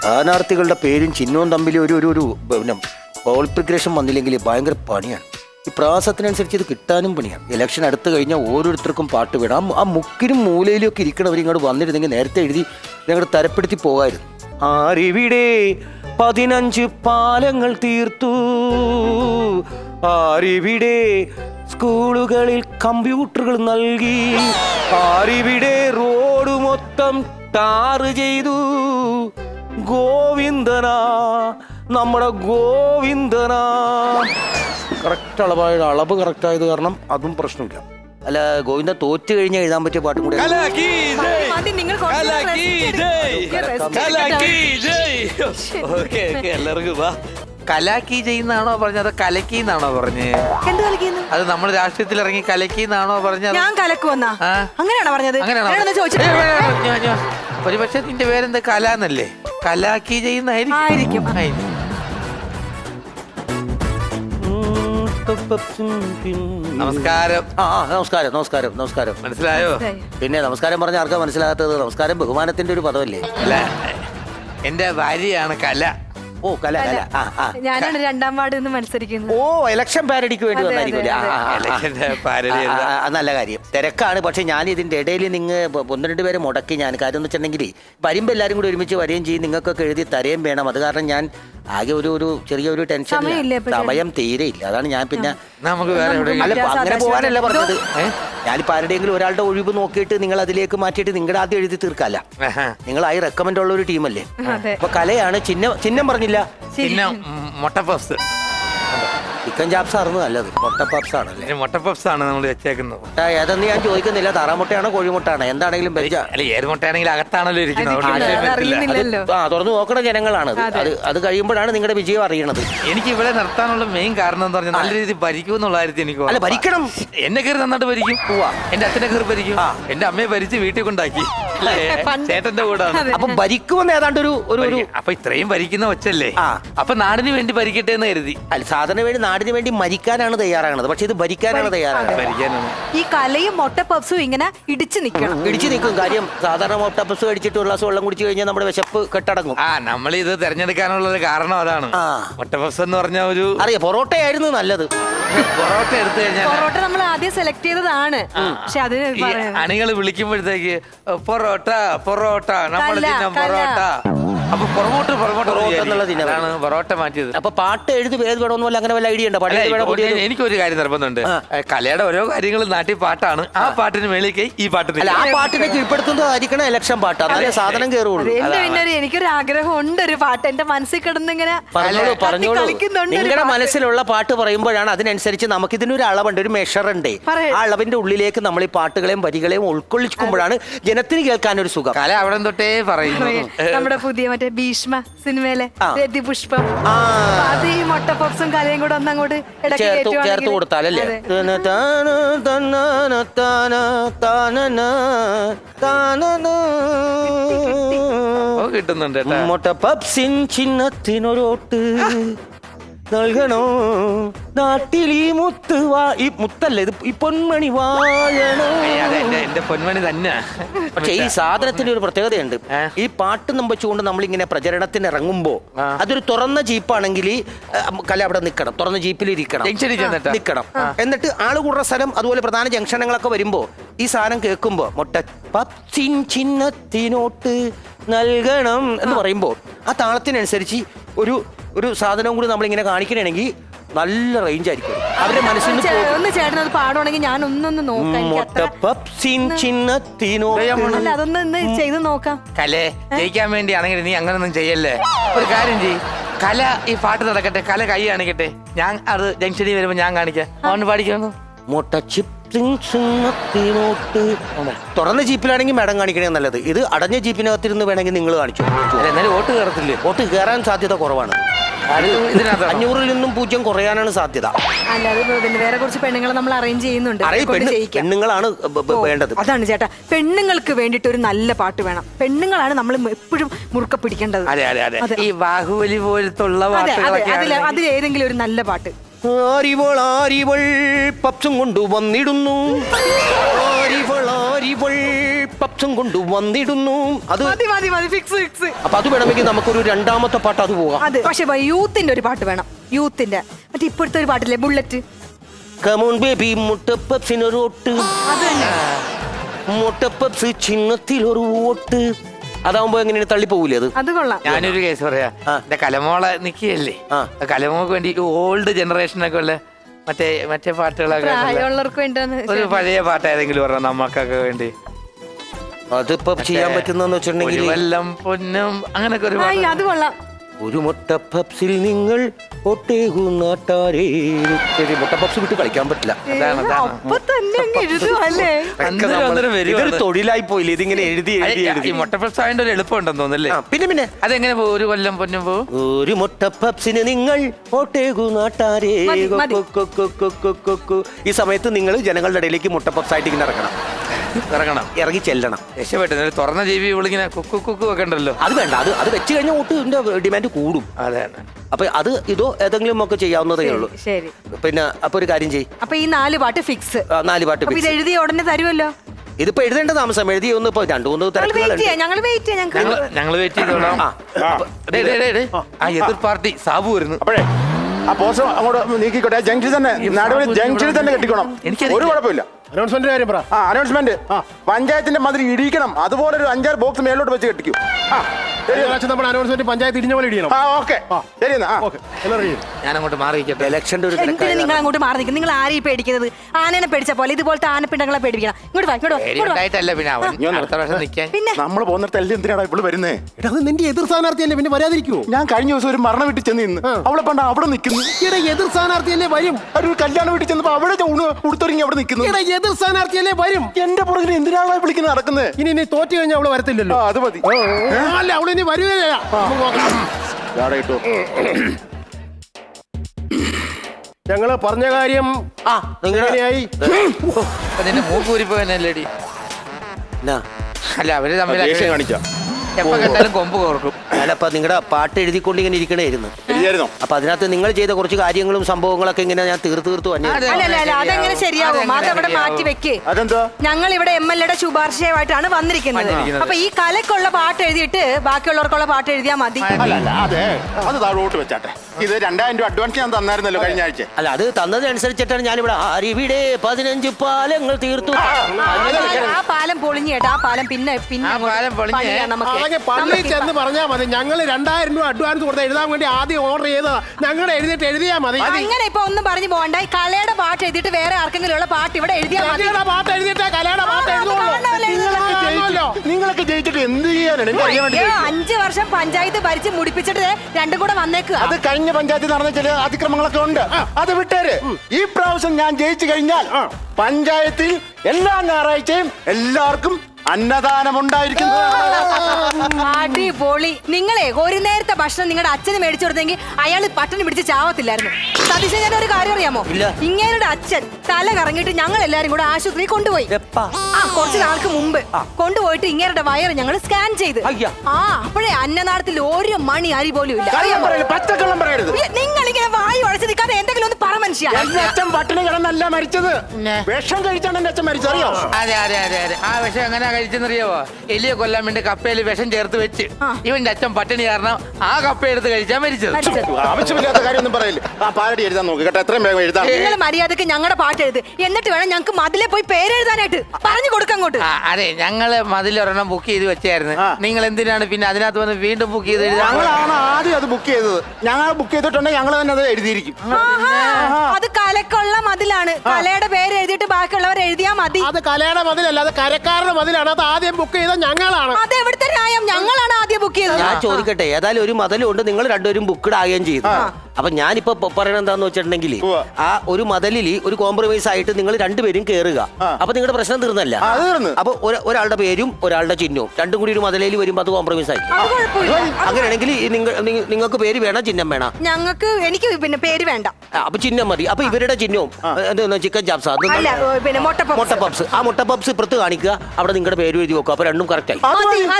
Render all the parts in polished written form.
സ്ഥാനാർത്ഥികളുടെ പേരും ചിഹ്നവും തമ്മിൽ ഒരു പിന്നെ കോൺഫിഗറേഷൻ വന്നില്ലെങ്കിൽ ഭയങ്കര പണിയാണ്. ഈ പ്രാസത്തിനനുസരിച്ച് ഇത് കിട്ടാനും പണിയാണ്. ഇലക്ഷൻ അടുത്ത് കഴിഞ്ഞാൽ ഓരോരുത്തർക്കും പാട്ട് വേണം. ആ മുക്കിനും മൂലയിലും ഒക്കെ ഇരിക്കണവർ ഇങ്ങോട്ട് വന്നിരുന്നെങ്കിൽ നേരത്തെ എഴുതി ഞങ്ങൾ തരപ്പെടുത്തി പോകായിരുന്നു. ആരിവിടെ 15 പാലങ്ങൾ തീർത്തു, ആരിവിടെ സ്കൂളുകളിൽ കമ്പ്യൂട്ടറുകൾ നൽകി, ആരിവിടെ റോഡ് മൊത്തം ടാറ് ചെയ്തു, ഗോവിന്ദനാ നമ്മുടെ ഗോവിന്ദനാ. കറക്റ്റ് അളവ് കറക്റ്റ് ആയത് കാരണം അതും പ്രശ്നമില്ല. അല്ല, ഗോവിന്ദ തോറ്റു കഴിഞ്ഞാൽ എഴുതാൻ പറ്റിയ പാട്ടും കൂടെ. എല്ലാവർക്കും കലാക്കി ചെയ്യുന്നാണോ പറഞ്ഞത്, കലക്കിന്നാണോ പറഞ്ഞ്? അത് നമ്മൾ രാഷ്ട്രീയത്തിൽ ഇറങ്ങി കലക്കിന്നാണോ പറഞ്ഞത്? ഞാൻ കലക്കുവന്നാ അങ്ങനെയാണോ പറഞ്ഞത്? ഒരു പക്ഷെ നിന്റെ പേരെന്താ കല എന്നല്ലേ? കലാക്കി ചെയ്യുന്നായിരിക്കും. നമസ്കാരം. നമസ്കാരം നമസ്കാരം നമസ്കാരം. മനസ്സിലായോ? പിന്നെ നമസ്കാരം പറഞ്ഞ ആർക്കാ മനസ്സിലാകാത്തത്? നമസ്കാരം ബഹുമാനത്തിന്റെ ഒരു പദമല്ലേ? അല്ല, എന്റെ ഭാര്യയാണ് കല. ഓ, കല കല. ഞാനാണ് 2ാം വാർഡ് നിന്ന് മത്സരിക്കുന്നത്. ഓ, ഇലക്ഷൻ പാരഡിക്ക് വേണ്ടി വന്നായിരിക്കും. നല്ല കാര്യം. തിരക്കാണ്. പക്ഷെ ഞാൻ ഇതിന്റെ ഇടയിൽ നിങ്ങൾ 1-2 പേരെ മുടക്കി. ഞാൻ കാര്യം എന്ന് വെച്ചിട്ടുണ്ടെങ്കിൽ വരുമ്പോൾ എല്ലാവരും കൂടി ഒരുമിച്ച് വരികയും ചെയ്യും, നിങ്ങൾക്കൊക്കെ എഴുതി തരുകയും വേണം. അത് കാരണം ഞാൻ ആകെ ഒരു ചെറിയൊരു ടെൻഷൻ, സമയം തീരെ ഇല്ല. അതാണ് ഞാൻ പിന്നെ നമുക്ക് വേറെ അങ്ങനെ പോകാനല്ല പറഞ്ഞത്. ഞാനിപ്പോൾ ആരുടെയെങ്കിലും ഒരാളുടെ ഒഴിവ് നോക്കിയിട്ട് നിങ്ങൾ അതിലേക്ക് മാറ്റിയിട്ട് നിങ്ങളുടെ ആദ്യം എഴുതി തീർക്കല്ല. നിങ്ങൾ ആയി റെക്കമെൻഡ് ഉള്ള ഒരു ടീമല്ലേ. അപ്പൊ കലയാണ്. ചിഹ്നം പറഞ്ഞില്ല. മൊട്ടപ്പപ്സ്. ചിക്കൻ ചാപ്സ് ആയിരുന്നു നല്ലത്. മൊട്ടപ്പപ്സ് ആണല്ലേ? മൊട്ടപ്പപ്സ് ആണ് നമ്മൾ വെച്ചേക്കുന്നത്. ഏതെന്ന് ഞാൻ ചോദിക്കുന്നില്ല. താറാമുട്ടയാണോ കോഴിമുട്ടാണോ എന്താണെങ്കിലും ഏത് മുട്ടയാണെങ്കിൽ അകത്താണല്ലോ ഇരിക്കുന്നത്. തുറന്നു നോക്കണ ജനങ്ങളാണ്. അത് കഴിയുമ്പോഴാണ് നിങ്ങളുടെ വിജയം അറിയണത്. എനിക്ക് ഇവിടെ നിർത്താനുള്ള മെയിൻ കാരണം എന്ന് പറഞ്ഞാൽ നല്ല രീതിയിൽ ഭരിക്കും എന്നുള്ള കാര്യത്തിൽ എനിക്ക്. അല്ല, ഭരിക്കണം. എന്നെ കയറി നന്നായിട്ട് ഭരിക്കും. എന്റെ അച്ഛനെ കയറി ഭരിക്കും. എന്റെ അമ്മയെ ഭരിച്ച് വീട്ടിൽ കൊണ്ടാക്കി. ചേട്ടന്റെ കൂടെ. അപ്പൊ ഭരിക്കുമെന്ന് ഏതാണ്ട് ഒരു അപ്പൊ ഇത്രയും ഭരിക്കുന്ന ഒച്ചല്ലേ? അപ്പൊ നാടിന് വേണ്ടി ഭരിക്കട്ടെ എന്ന് കരുതി. അല്ല, സാധാരണ വേണ്ടി നാടിന് വേണ്ടി മരിക്കാനാണ് തയ്യാറാണത്. പക്ഷെ ഇത് ഭരിക്കാനാണ് തയ്യാറാണ്. ഈ കലയും മൊട്ടപ്പപ്സും ഇങ്ങനെ ഇടിച്ചു നിൽക്കും. കാര്യം സാധാരണ മൊട്ടപ്പപ്സ് കഴിച്ചിട്ട് ഒരു ഗ്ലാസ് വെള്ളം കുടിച്ചു കഴിഞ്ഞാൽ നമ്മുടെ വിശപ്പ് കെട്ടടങ്ങും. നമ്മൾ ഇത് തെരഞ്ഞെടുക്കാനുള്ള ഒരു കാരണം അതാണ്. മൊട്ടപ്പപ്സ് എന്ന് പറഞ്ഞ ഒരു അറിയാം. പൊറോട്ടയായിരുന്നു നല്ലത്. പൊറോട്ട എടുത്തു കഴിഞ്ഞാൽ പൊറോട്ട നമ്മൾ ആദ്യം സെലക്ട് ചെയ്തതാണ്. പക്ഷെ അത് അണികൾ വിളിക്കുമ്പോഴത്തേക്ക് പൊറോട്ട പൊറോട്ട നമ്മൾ പൊറോട്ട. അപ്പൊ പൊറോട്ട പൊറോട്ട മാറ്റിയത്. അപ്പൊ പാട്ട് എഴുതി പേര് വേണമെന്നല്ല അങ്ങനെ വല്ല ഐഡിയ ഉണ്ടോ? എനിക്കൊരു കാര്യം നിർബന്ധമുണ്ട്. കലയുടെ ഓരോ കാര്യങ്ങളും നാട്ടിൽ പാട്ടാണ്. ആ പാട്ടിന് മേളിലേക്ക് ഈ പാട്ട്. ആ പാട്ടിനെ കീഴ്പ്പെടുത്തുന്നതായിരിക്കണം ഇലക്ഷൻ പാട്ട്. അതല്ലേ സാധനം കയറുള്ളൂ. എനിക്കൊരു ആഗ്രഹം ഉണ്ട്, ഒരു പാട്ട് എന്റെ മനസ്സിൽ കിടന്നിങ്ങനെ പറഞ്ഞോളൂ. നിങ്ങളുടെ മനസ്സിലുള്ള പാട്ട് പറയുമ്പോഴാണ് അതിനനുസരിച്ച് നമുക്ക് ഇതിനൊരു അളവുണ്ട്, ഒരു മെഷർ ഉണ്ട്. ആ അളവിന്റെ ഉള്ളിലേക്ക് നമ്മൾ ഈ പാട്ടുകളെയും വരികളെയും ഉൾക്കൊള്ളിക്കുമ്പോഴാണ് ജനത്തിന് കേൾക്കാൻ ഒരു സുഖം. കല അവിടെ തൊട്ടേ പറയുന്നു. നമ്മുടെ പുതിയ ഭീഷ്മ സിനിമയിലെ രതിപുഷ്പം, അത് ഈ മൊട്ടപ്പപ്സും കലയും കൂടെ ഒന്നങ്ങോട്ട് ചേർത്ത് കൊടുത്താലല്ലേ കിട്ടുന്നുണ്ട്. മൊട്ടപ്പപ്സിൻ ചിഹ്നത്തിനൊരോട്ട് നൽകണോ നാട്ടിൽ ഈ മുത്ത് ഈ മുത്തല്ലേ ഇത്, ഈ പൊന്മണി വാഴണോ. എന്റെ പൊന്മണി തന്നെ. പക്ഷെ ഈ സാധനത്തിന്റെ ഒരു പ്രത്യേകതയുണ്ട്. ഈ പാട്ട് വെച്ചുകൊണ്ട് നമ്മളിങ്ങനെ പ്രചരണത്തിന് ഇറങ്ങുമ്പോ അതൊരു തുറന്ന ജീപ്പാണെങ്കിൽ കല അവിടെ നിൽക്കണം. തുറന്ന ജീപ്പിൽ ഇരിക്കണം. എന്നിട്ട് ആള് കൂടുന്ന സ്ഥലം അതുപോലെ പ്രധാന ജംഗ്ഷനുകളൊക്കെ വരുമ്പോ ഈ സാധനം കേൾക്കുമ്പോ മൊട്ടപ്പപ്സിൻ ചിഹ്നത്തിനോട്ട് നൽകണം എന്ന് പറയുമ്പോ ആ താളത്തിനനുസരിച്ച് ഒരു സാധനവും കൂടി നമ്മളിങ്ങനെ കാണിക്കണമെങ്കിൽ നല്ല റേഞ്ച് ആയിരിക്കും അവരുടെ മനസ്സിൽ. ചേട്ടനത് പാടുവാണെങ്കിൽ ഞാൻ ഒന്നൊന്ന് അതൊന്ന് ചെയ്ത് നോക്കാം. കലേ ജയിക്കാൻ വേണ്ടിയാണെങ്കിൽ നീ അങ്ങനൊന്നും ചെയ്യല്ലേ. ഒരു കാര്യം ചെയ്യ്, കല ഈ പാട്ട് നടക്കട്ടെ, കല കൈ കാണിക്കട്ടെ. ഞാൻ അത് ജംഗ്ഷനിൽ വരുമ്പോ ഞാൻ കാണിക്കാം. അവന് പാടിക്കുന്നു. തുറന്ന ജീപ്പിലാണെങ്കിൽ മാഡം കാണിക്കണേ നല്ലത്. ഇത് അടഞ്ഞ ജീപ്പിനകത്തിരുന്ന് വേണമെങ്കിൽ നിങ്ങൾ കാണിച്ചു. എന്നാലും വോട്ട് കയറത്തില്ലേ? വോട്ട് കയറാൻ സാധ്യത കുറവാണ്. 500-ൽ നിന്നും 0 കുറയാനാണ് സാധ്യത. അല്ലാതെ വേറെ കുറച്ച് പെണ്ണുങ്ങളെ നമ്മൾ അറേഞ്ച് ചെയ്യുന്നുണ്ട്. പെണ്ണുങ്ങളാണ് വേണ്ടത്. അതാണ് ചേട്ടാ, പെണ്ണുങ്ങൾക്ക് വേണ്ടിട്ട് ഒരു നല്ല പാട്ട് വേണം. പെണ്ണുങ്ങളാണ് നമ്മൾ എപ്പോഴും മുറുക്ക പിടിക്കേണ്ടത്. ഈ ബാഹുബലി പോലത്തുള്ള അതിലേതെങ്കിലും ഒരു നല്ല പാട്ട്. ആരിവൾ പപ്സും കൊണ്ടു വന്നിടുന്നു, ആരിവൾ പപ്സും കൊണ്ട് വന്നിടുന്നു. അത് മതി മതി മതി ഫിക്സ് ഫിക്സ്. അപ്പൊ അത് വേണമെങ്കിൽ നമുക്കൊരു രണ്ടാമത്തെ പാട്ട് അത് പോകാം. അതെ, പക്ഷെ യൂത്തിന്റെ ഒരു പാട്ട് വേണം. യൂത്തിന്റെ മറ്റേ ഇപ്പോഴത്തെ ഒരു പാട്ടില്ലേ, ബുള്ളറ്റ്. കമോൺ ബേബി മുട്ട പപ്സിനൊരു ഒട്ട്, അത് തന്നെ. മുട്ട പപ്സ് ചിഹ്നത്തിലൊരു ഓട്ട്. അതാവുമ്പോ എങ്ങനെയാണ് തള്ളിപ്പോകൂലേ അത്? അത് കൊള്ളാം. ഞാനൊരു കേസ് പറയാ. എന്റെ കലമോളെ നിക്കയല്ലേ, കലമോക്ക് വേണ്ടി ഓൾഡ് ജനറേഷനൊക്കെ ഉള്ള മറ്റേ പാട്ടുകളൊക്കെ പ്രായമുള്ളവർക്ക് വേണ്ടിയാണ്. ഒരു പഴയ പാട്ട് ഏതെങ്കിലും പറഞ്ഞ നമ്മക്കൊക്കെ വേണ്ടി. അതിപ്പോ ചെയ്യാൻ പറ്റുന്ന വെച്ചിട്ടുണ്ടെങ്കിൽ വെല്ലം പൊന്നും അങ്ങനൊക്കെ ഒരു പാട്ട്. അത് കൊള്ളാം. ഒരു മുട്ട പപ്സിൽ നിങ്ങൾ ഒട്ടേകു നാട്ടാരേ. മുട്ട പപ്സ് വിട്ട് കളിക്കാൻ പറ്റില്ല. അപ്പൊ തന്നെ അങ്ങ് എഴുതുവല്ലേ. ഇതൊരു തൊഴിലായി പോയില്ലേ ഇതിങ്ങനെ എഴുതി എഴുതി എഴുതി. മുട്ട പപ്സ് ആയതിന്റെ ഒരു എളുപ്പമുണ്ടെന്ന് തോന്നുന്നല്ലേ? പിന്നെ അതെങ്ങനെ പോകും? ഒരു കൊല്ലം പൊന്നും പോകും. ഒരു മുട്ട പപ്സിന് നിങ്ങൾ ഒട്ടേകു നാട്ടാരേ. ഈ സമയത്ത് നിങ്ങൾ ജനങ്ങളുടെ ഇടയിലേക്ക് മുട്ട പപ്സ് ആയിട്ട് ഇങ്ങനെ ഇറങ്ങണം, ഇറങ്ങി ചെല്ലണം. രക്ഷപ്പെട്ടു. തുറന്ന ജീവി ഇവളിങ്ങനെ കുക്കു കുക്കു ഒക്കെ ഉണ്ടല്ലോ. അത് വേണ്ട, അത് വെച്ച് കഴിഞ്ഞാൽ ഒട്ടിന്റെ ഡിമാൻഡ് കൂടും. അതെ. അപ്പൊ അത് ഇതോ ഏതെങ്കിലും ഒക്കെ ചെയ്യാവുന്നതേ ഉള്ളൂ. ശരി. പിന്നെ അപ്പൊ ഒരു കാര്യം ചെയ്യും. അപ്പൊ ഈ 4 പാട്ട് ഫിക്സ്. 4 പാട്ട് ഇത് എഴുതി ഉടനെ തരുമല്ലോ. ഇതിപ്പോ എഴുതേണ്ട താമസം എഴുതി ഒന്ന് ഇപ്പൊ 2-3 തിരക്കുകളുണ്ട്. ഞങ്ങൾ വെയിറ്റ് ചെയ്തോളാം. ആ എതിർ പാർട്ടി സാബു വരുന്നു. അപ്പോഴേ ആ പോസ്റ്റർ അങ്ങോട്ട് നീക്കിക്കോട്ടെ. ജംഗ്ഷനിൽ തന്നെ, നടുവിൽ ജംഗ്ഷനിൽ തന്നെ കെട്ടിക്കണം. ഒരു കുഴപ്പമില്ല. അനൗൺസ്മെന്റ് കാര്യം പറ. അനൗൺസ്മെന്റ് പഞ്ചായത്തിന്റെ മതിൽ ഇടിക്കണം. അതുപോലെ ഒരു 5-6 ബോക്സ് മേലോട്ട് വെച്ച് കെട്ടിക്കും. നമ്മുടെ അനൗൺസ്മെന്റ് പഞ്ചായത്ത് ഇടിഞ്ഞ പോലെ ഇടിക്കണം. ഓക്കെ ശരി എന്നാ. ഞാൻ അങ്ങോട്ട് മാറിയിരിക്കട്ടെ. ഇലക്ഷന്റെ ഒരു നിങ്ങൾ അങ്ങോട്ട് മാറി നിൽക്കും. നിങ്ങൾ ആരെയും പേടിക്കുന്നത്? ആനനെ പേടിച്ച പോലെ ഇതുപോലത്തെ ആനപ്പിണ്ടങ്ങളെ പേടിപ്പിക്കണം. ഇങ്ങോട്ട് വാ, ഇങ്ങോട്ട് വാ, ഇങ്ങോട്ട് വാ. പേടിയുണ്ടായിട്ടല്ല പിന്നെ അവൻ അടുത്ത പ്രാവശ്യം നിൽക്കാൻ. പിന്നെ നമ്മൾ പോകുന്നിടത്ത് എല്ലാം എന്തിനാണ് ഇവിടെ വരുന്നേ? അത് നിന്റെ എതിർ സ്ഥാനാർത്ഥിയല്ലേ, പിന്നെ വരാതിരിക്കുമോ? ഞാൻ കഴിഞ്ഞ ദിവസം ഒരു മരണ വീട്ടിൽ ചെന്ന് നിന്ന് അവളെ പണ്ട് അവിടെ നിൽക്കുന്നു. എതിർ സ്ഥാനാർത്ഥിയല്ലേ വരും. ഒരു കല്യാണ വീട്ടിൽ ചെന്നപ്പോ അവിടെ ഉടുത്തൊരുങ്ങി അവിടെ നിൽക്കുന്നു. എതിർ സ്ഥാനാർത്ഥിയല്ലേ വരും. എന്റെ പുറകിൽ എന്തിനാണ് വിളിക്കുന്നത് നടക്കുന്നത്? ഇനി നീ തോറ്റു കഴിഞ്ഞാൽ അവള് വരത്തില്ലല്ലോ. അത് മതി. അല്ല, അവളിനി വരുകയില്ല. ഞങ്ങള് പറഞ്ഞ കാര്യം എങ്ങനെയായി? നിന്റെ മൂക്കൂരിപ്പോയല്ലേടി. അല്ല അവര് തമ്മിൽ കാണിക്കാം. എപ്പോ കണ്ടാലും കൊമ്പ് കോർക്കും. അല്ലപ്പ നിങ്ങളുടെ പാട്ട് എഴുതിക്കൊണ്ട് ഇങ്ങനെ ഇരിക്കണായിരുന്നു. അപ്പൊ അതിനകത്ത് നിങ്ങൾ ചെയ്ത കുറച്ച് കാര്യങ്ങളും സംഭവങ്ങളൊക്കെ ഇങ്ങനെ ഞാൻ തീർത്തു തന്നെ. അല്ല, അതെങ്ങനെ ശരിയാവും? അതവിടെ മാറ്റി വെക്കേ. ഞങ്ങൾ ഇവിടെ MLA ശുപാർശയുമായിട്ടാണ് വന്നിരിക്കുന്നത്. അപ്പൊ ഈ കലക്കുള്ള പാട്ട് എഴുതിയിട്ട് ബാക്കിയുള്ളവർക്കുള്ള പാട്ട് എഴുതിയാൽ മതി. അതെ, അത് താഴോട്ട് വെച്ചാട്ടെ. ഇത് 2000 രൂപ അഡ്വാൻസ് ഞാൻ തന്നായിരുന്നല്ലോ കഴിഞ്ഞ ആഴ്ച. അല്ല, അത് തന്നതനുസരിച്ചിട്ടാണ് ഞാനിവിടെ ഇവിടെ 15 പാലങ്ങൾ തീർത്തു. ആ പാലം പൊളിഞ്ഞു കേട്ടോ. ആ പാലം പിന്നെ നമുക്ക് പള്ളിയിൽ ചെന്ന് പറഞ്ഞാൽ മതി. ഞങ്ങൾ 2000 രൂപ അഡ്വാൻസ് കൊടുത്ത് എഴുതാൻ വേണ്ടി ആദ്യം ഓർഡർ ചെയ്തതാ. ഞങ്ങളുടെ എഴുതിയിട്ട് എഴുതിയാ മതി. അങ്ങനെ ഇപ്പൊ ഒന്നും പറഞ്ഞു പോകണ്ട. ഈ കലയുടെ പാട്ട് എഴുതിയിട്ട് വേറെ ആർക്കെങ്കിലും ഉള്ള പാട്ട് ഇവിടെ എഴുതിയാൽ മതി. പാട്ട് എഴുതിയിട്ട് കലയുടെ പാട്ട് നിങ്ങളൊക്കെ ജയിച്ചിട്ട് എന്ത് ചെയ്യാനാണ്? 5 വർഷം പഞ്ചായത്ത് ഭരിച്ച് മുടിപ്പിച്ചിട്ട് രണ്ടും കൂടെ വന്നേക്കുക. അത് കഴിഞ്ഞ പഞ്ചായത്തിൽ നടന്ന ചില അതിക്രമങ്ങളൊക്കെ ഉണ്ട്. അത് വിട്ടേര്. ഈ പ്രാവശ്യം ഞാൻ ജയിച്ചു കഴിഞ്ഞാൽ പഞ്ചായത്തിൽ എല്ലാ ഞായറാഴ്ചയും എല്ലാവർക്കും അന്നദാനം ഉണ്ടായിരിക്കും. അടിപൊളി. നിങ്ങളെ ഒരു നേരത്തെ ഭക്ഷണം നിങ്ങളുടെ അച്ഛന് മേടിച്ചു കൊടുത്തെങ്കിൽ അയാൾ പട്ടിണി പിടിച്ച് ചാവത്തില്ലായിരുന്നു. സതീശൻ, ഞാൻ ഒരു കാര്യം അറിയാമോ? ഇങ്ങേരുടെ അച്ഛൻ തല കറങ്ങിയിട്ട് ഞങ്ങൾ എല്ലാരും കൂടെ ആശുപത്രി കൊണ്ടുപോയി. കുറച്ച് നാൾക്ക് മുമ്പ് കൊണ്ടുപോയിട്ട് ഇങ്ങേരുടെ വയറ് ഞങ്ങൾ സ്കാൻ ചെയ്ത്. അപ്പോഴേ അന്നനാളത്തിൽ ഒരു മണി അരി പോലും ഇല്ല. പച്ചക്കള്ളം പറയരുത്. നിങ്ങൾ ഇങ്ങനെ വായു അടച്ച് നിൽക്കാതെ എന്തെങ്കിലും ഒന്ന് പറ മനുഷ്യ. അച്ഛൻ പട്ടിണി കിടന്നല്ല മരിച്ചത്. വിഷം കഴിച്ചാണ് എന്റെ അച്ഛൻ മരിച്ചത്. അറിയോ? അതെ. ആ വിഷം എങ്ങനെ കഴിച്ചെന്നറിയാവോ? എലിയെ കൊല്ലാൻ വേണ്ടി കപ്പയിൽ വിഷം ചേർത്ത് വെച്ച് ഇവന്റെ അച്ഛൻ പട്ടിണി കാരണം ആ കപ്പ എടുത്ത് കഴിച്ചാൽ മരിച്ചത്. ആവശ്യമില്ലാത്ത കാര്യമൊന്നും പറയില്ല. ആ പാരടി എഴുതാൻ നോക്ക് കേട്ടോ. എത്രയും വേഗം എഴുതാം. നിങ്ങൾ മര്യാദക്ക് ഞങ്ങളുടെ പാട്ട് എഴുത്. എന്നിട്ട് വേണം ഞങ്ങൾക്ക് മതിലെ പോയി പേരെഴുതാനായിട്ട്. പറഞ്ഞു കൊടുക്കാം അങ്ങോട്ട്. അതെ, ഞങ്ങള് മതിലൊരെണ്ണം ബുക്ക് ചെയ്ത് വെച്ചായിരുന്നു. നിങ്ങൾ എന്തിനാണ് പിന്നെ അതിനകത്ത് വന്ന് വീണ്ടും ബുക്ക് ചെയ്ത് എഴുതാൻ? ഞങ്ങളാണ് ആദ്യം അത് ബുക്ക് ചെയ്തത്. ഞങ്ങൾ ബുക്ക് ചെയ്തിട്ടുണ്ടെങ്കിൽ ഞങ്ങൾ തന്നെ അത് എഴുതിയിരിക്കും. അത് കലക്കുള്ള മതിലാണ്. കലയുടെ പേര് എഴുതിയിട്ട് ബാക്കിയുള്ളവർ എഴുതിയാ മതി. അത് കലയുടെ മതിലല്ല, അത് കരക്കാരുടെ മതിലാണ്. അത് ആദ്യം ബുക്ക് ചെയ്ത ഞങ്ങളാണ്. അത് എവിടുത്തെ ന്യായം? ഞങ്ങളാണ് ആദ്യം ബുക്ക് ചെയ്തത്. ഞാൻ ചോദിക്കട്ടെ, ഏതായാലും ഒരു മതിലുണ്ട്. നിങ്ങൾ രണ്ടുപേരും ബുക്ക്ഡ് ആകുകയും ചെയ്തു. അപ്പൊ ഞാനിപ്പോ പറയണത് എന്താന്ന് വെച്ചിട്ടുണ്ടെങ്കിൽ ആ ഒരു മതിലിൽ ഒരു കോംപ്രമൈസ് ആയിട്ട് നിങ്ങൾ രണ്ടുപേരും കയറുക. അപ്പൊ നിങ്ങളുടെ പ്രശ്നം തീർന്നല്ല. അപ്പൊ ഒരാളുടെ പേരും ഒരാളുടെ ചിഹ്നവും രണ്ടും കൂടി ഒരു മതിലയിൽ വരുമ്പോ അത് കോംപ്രമൈസ് ആയി. അങ്ങനെയാണെങ്കിൽ നിങ്ങൾക്ക് പേര് വേണം, ചിഹ്നം വേണം? എനിക്ക് പിന്നെ പേര് വേണ്ട. അപ്പൊ ചിഹ്നം മതി. അപ്പൊ ഇവരുടെ ചിഹ്നവും ചിക്കൻ ചാപ്സ്, മുട്ട പപ്സ്. ആ മുട്ട പപ്സ് ഇപ്പുറത്ത് കാണിക്കുക. അവിടെ നിങ്ങളുടെ പേര് എഴുതി വെക്കുക. അപ്പൊ രണ്ടും കറക്റ്റ് ആയി.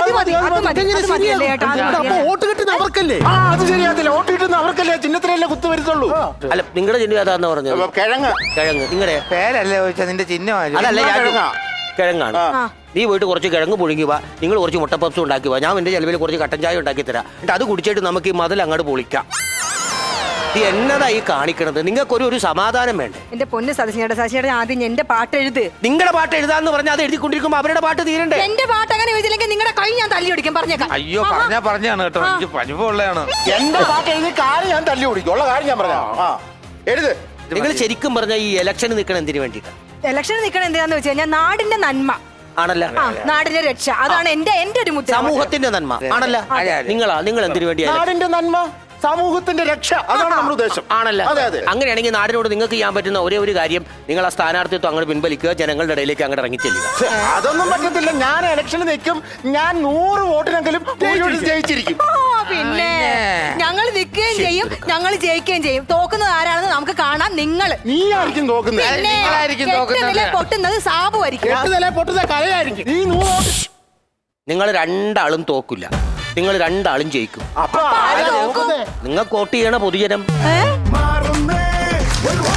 വോട്ട് കിട്ടുന്ന അവർക്കല്ലേ? അത് ശരിയാത്തില്ല. വോട്ട് കിട്ടുന്ന അവർക്കല്ലേ ചിഹ്നത്തിലല്ലേ കുത്തു വരുത്തുള്ളൂ. അല്ല, നിങ്ങളുടെ ചിഹ്നം ഏതാന്ന് പറഞ്ഞത്? കിഴങ്ങ്. നിങ്ങളുടെ പേരല്ലേ ചോദിച്ചാ? നിന്റെ ചിഹ്നം അതല്ല, കിഴങ്ങാണ് ആ. നീ പോയിട്ട് കുറച്ച് കിഴങ്ങ് പുഴുങ്ങി വാ, നിങ്ങൾ കുറച്ച് മുട്ടപ്പപ്സ് ഉണ്ടാക്കി വാ, ഞാൻ എന്റെ ചെലവിൽ കുറച്ച് കട്ടൻ ചായ ഉണ്ടാക്കി തരാം, എന്നിട്ട് അത് കുടിച്ചിട്ട് നമുക്ക് ഈ മതിൽ അങ്ങോട്ട് പൊളിക്കാം. ഇത് എന്നതായി കാണിക്കണത്? നിങ്ങൾക്കൊരു ഒരു സമാധാനം വേണ്ടേ? എന്റെ പൊന്ന് സതീശേട്ടൻ ആദ്യം എന്റെ പാട്ട് എഴുത്. നിങ്ങളുടെ പാട്ട് എഴുതാന്ന് പറഞ്ഞാൽ അത് എഴുതിക്കൊണ്ടിരിക്കുമ്പോ അവരുടെ പാട്ട് തീരണ്ടേ? എന്റെ പാട്ട് അങ്ങനെ എഴുതിയില്ലെങ്കിൽ നിങ്ങളുടെ കൈ ഞാൻ തല്ലി ഓടിക്കും, പറഞ്ഞേക്കാം. അയ്യോ പറഞ്ഞാണ് കേട്ടോ, എനിക്ക് പരിഭവമുള്ളതാണ്. എന്റെ പാട്ട് എഴുതി കാര്യം ഞാൻ തല്ലി ഓടിക്കും. ഉള്ള കാര്യം ഞാൻ പറയാം. ആ എഴുത്. നിങ്ങൾ ശരിക്കും പറഞ്ഞ ഈ ഇലക്ഷന് നിൽക്കണം എന്തിനു വേണ്ടിയിട്ടാണ്? ഇലക്ഷൻ നിൽക്കണം എന്തിനാന്ന് വെച്ച് കഴിഞ്ഞാൽ നാടിന്റെ നന്മ, ആണല്ല, നാടിന്റെ രക്ഷ, അതാണ് എന്റെ ഒരു മുദ്ര. സമൂഹത്തിന്റെ നന്മ ആണല്ല. നിങ്ങൾ എന്തിനു വേണ്ടിയാണ്? നാടിന്റെ നന്മ, സമൂഹത്തിന്റെ രക്ഷ, അതാണ് നമ്മുടെ ഉദ്ദേശം. ആണല്ല. അതെ അതെ. അങ്ങനെയാണെങ്കിൽ നാടിനോട് നിങ്ങൾക്ക് ചെയ്യാൻ പറ്റുന്ന ഒരേ ഒരു കാര്യം, നിങ്ങൾ ആ സ്ഥാനാർത്ഥിത്വം അങ്ങോട്ട് പിൻവലിക്കുക, ജനങ്ങളുടെ ഇടയിലേക്ക് അങ്ങോട്ട് ഇറങ്ങിച്ചെല്ലുക. അതൊന്നും പറ്റത്തില്ല. ഞാൻ ഇലക്ഷന് നിൽക്കും, ഞാൻ 100 വോട്ടിനെങ്കിലും ജയിച്ചിരിക്കും. പിന്നെ ഞങ്ങൾ നിൽക്കുകയും ചെയ്യും, ഞങ്ങൾ ജയിക്കുകയും ചെയ്യും. തോക്കുന്നത് ആരാണെന്ന് നമുക്ക് കാണാം. നിങ്ങൾ നീ ആയിരിക്കും നോക്കുന്നത്. നിങ്ങളായിരിക്കും തോക്കുന്നത്. പൊട്ടുന്നത് സാബുവായിരിക്കും. പൊട്ടുന്ന കലയായിരിക്കും. ഈ 100 വോട്ട് നിങ്ങൾ രണ്ടാളും തോക്കില്ല, നിങ്ങൾ രണ്ടാളും ജയിക്കും. അപ്പൊ ആരാ നോക്കുന്നത്? നിങ്ങൾക്ക് വോട്ട് ചെയ്യണ പൊതുജനം. ഏ? മാറുന്നേ